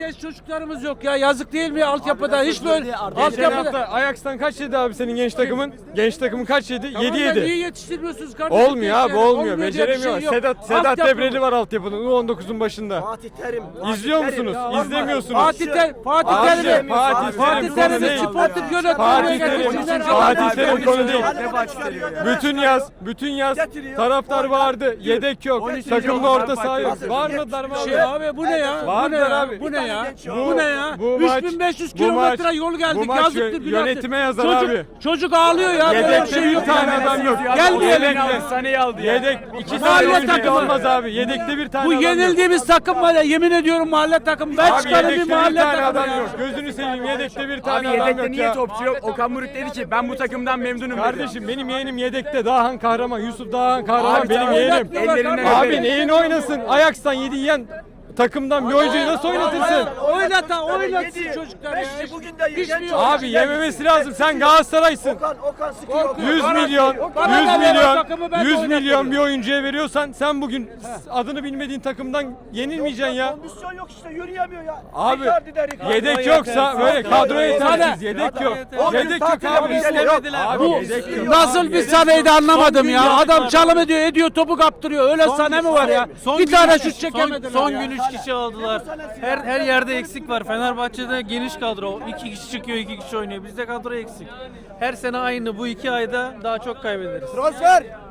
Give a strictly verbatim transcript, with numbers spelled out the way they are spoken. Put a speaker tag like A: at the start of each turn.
A: Genç çocuklarımız yok ya, yazık değil mi altyapıda? Hiç böyle
B: Geçen
A: altyapıda.
B: hafta Ajax'tan kaç yedi abi senin genç takımın? Genç takımın kaç yedi?
A: Tamam
B: yedi
A: da
B: yedi.
A: Niye yetiştirmiyorsunuz kardeşim?
B: Olmuyor abi,
A: gençleri?
B: olmuyor.
A: diye bir şey
B: Beceremiyor.
A: yok.
B: Sedat Sedat
A: Altyapı-
B: Debreli var altyapının U on dokuzun başında.
C: Fatih Terim.
B: İzliyor
C: Fatih Terim.
B: musunuz?
C: Ya,
B: İzlemiyorsunuz.
A: Fatih Ter Fatih
B: Abi,
A: Terim'i
B: Fatih
A: Fatih
B: Terim
A: Terim'i
B: konu değil.
A: sportif yönetmeye
B: Fatih Terim,
A: getirsinler.
B: Fatih
A: Adam-
B: Terim konu değil.
C: Ne başlıyor ya?
B: Bütün yaz, bütün yaz
C: Getiriyor.
B: taraftar bağırdı. Yedek yok. Takımda orta saha yok.
C: Hazır.
B: Bağırmadılar mı
A: Şey
B: abi?
A: abi bu ne ya? Bu ne
B: Bağırdılar
A: ya?
B: abi.
A: Bu ne ya?
C: Bu-
A: Bu ne ya?
B: bu maç-
A: üç bin beş yüz
B: bu
A: kilometre
B: maç-
A: yol geldik.
B: bu maç
A: Yazıktır,
B: yö-
A: günahtır.
B: yönetime yazar
A: çocuk,
B: abi.
A: Çocuk ağlıyor ya. Böyle bir
B: Yedekte
A: şey
B: bir
A: yok.
B: tane
A: yani.
B: adam yok.
A: Gelmeyelim
B: Yedekte.
A: ya.
D: Saneyi aldı ya.
B: Yedek iki
A: Mahalle
B: tane oyuncu
A: takımı.
B: olmaz abi. Yedekte bir tane
A: Bu
B: adam yok.
A: yenildiğimiz takım var ya, yemin ediyorum mahalle takım. Ben
B: Abi
A: çıkarım bir
B: yedekte bir
A: mahalle
B: tane
A: takımı
B: adam
A: ya.
B: yok. Gözünü seveyim, yedekte bir
D: Abi
B: tane adam
D: yedekte
B: yok
D: niye
B: ya.
D: topçu yok? Okan Buruk dedi ki ben bu takımdan memnunum dedi.
B: Kardeşim benim yeğenim yedekte. Dağhan Kahraman. Yusuf Dağhan Kahraman
D: Abi
B: benim
D: tamam,
B: yeğenim.
A: oynatmıyorlar
D: Ellerinden
A: kardeşim.
B: Abi neyini oynasın? Ajax'tan yedi yiyen takımdan bir oyuncuyu nasıl oynatırsın?
A: Oynata, oynatsın
C: Yedi.
A: çocuklar ya.
C: Beşli bugün de
A: Hiç
C: genç
A: mi yok?
B: Abi yememesi lazım. Sen Galatasaray'sın.
C: Okan, Okan sıkıyor.
B: yüz milyon,
A: Bana
B: yüz
A: da ver o
B: milyon,
A: takımı, ben de
B: yüz
A: oynatırım.
B: milyon bir oyuncuya veriyorsan sen bugün adını bilmediğin takımdan yenilmeyeceksin ya.
C: Kondisyon yok işte, yürüyemiyor ya.
B: Abi
C: Icardi de Icardi.
B: yedek yoksa böyle kadro yetersiz. Yedek yok.
C: O gün
B: Yedek yok
C: tatil
B: abi.
C: yapmışlar, yok.
B: Abi
A: Bu
B: yedek yok.
A: nasıl bir sanaydı anlamadım ya. Adam çalım ediyor, ediyor, topu kaptırıyor. Öyle sahne mi var ya? Bir tane şut çekemediler
E: Son
A: ya.
E: gün üç kişi aldılar. Her her yerde eksik var. Fenerbahçe'de geniş kadro. iki kişi çıkıyor, iki kişi oynuyor. Bizde kadro eksik. Her sene aynı. Bu iki ayda daha çok kaybederiz.
C: Transfer.